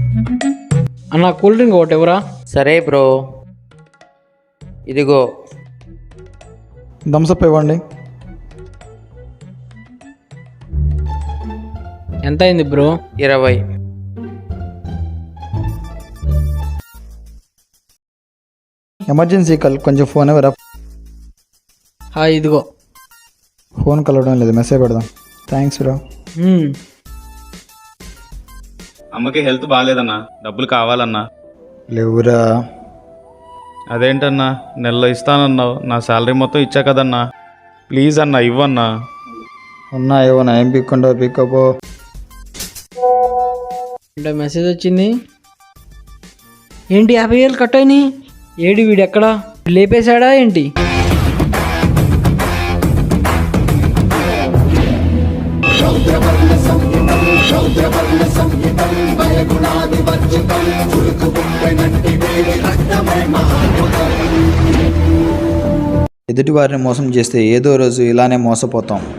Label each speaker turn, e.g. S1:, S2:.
S1: అన్న cool drink ఒకటి ఎవరా?
S2: సరే బ్రో, ఇదిగో.
S3: థమ్స్అప్ ఇవ్వండి.
S1: ఎంత అయింది బ్రో?
S2: 20.
S3: ఎమర్జెన్సీ కాల్, కొంచెం ఫోన్ ఎవరా?
S1: ఇదిగో.
S3: ఫోన్ కలవడం లేదు, మెసేజ్ పెడదాం. Thanks bro.
S4: అమ్మకి హెల్త్ బాగాలేదన్నా, డబ్బులు కావాలన్నా.
S3: లేవురా.
S4: అదేంటన్నా, నెలలో ఇస్తానన్నావు, నా శాలరీ మొత్తం ఇచ్చా కదన్నా. ప్లీజ్ అన్నా ఇవ్వన్నా.
S3: ఉన్నాయో నా ఏం పిక్కుండో పిక్కపో.
S1: అంటే మెసేజ్ వచ్చింది ఏంటి? 50,000 కట్ అయినాయి. ఏడి వీడు ఎక్కడా? లేపేశాడా ఏంటి?
S3: ఎదుటి వారిని మోసం చేస్తే ఏదో రోజు ఇలానే మోసపోతాం.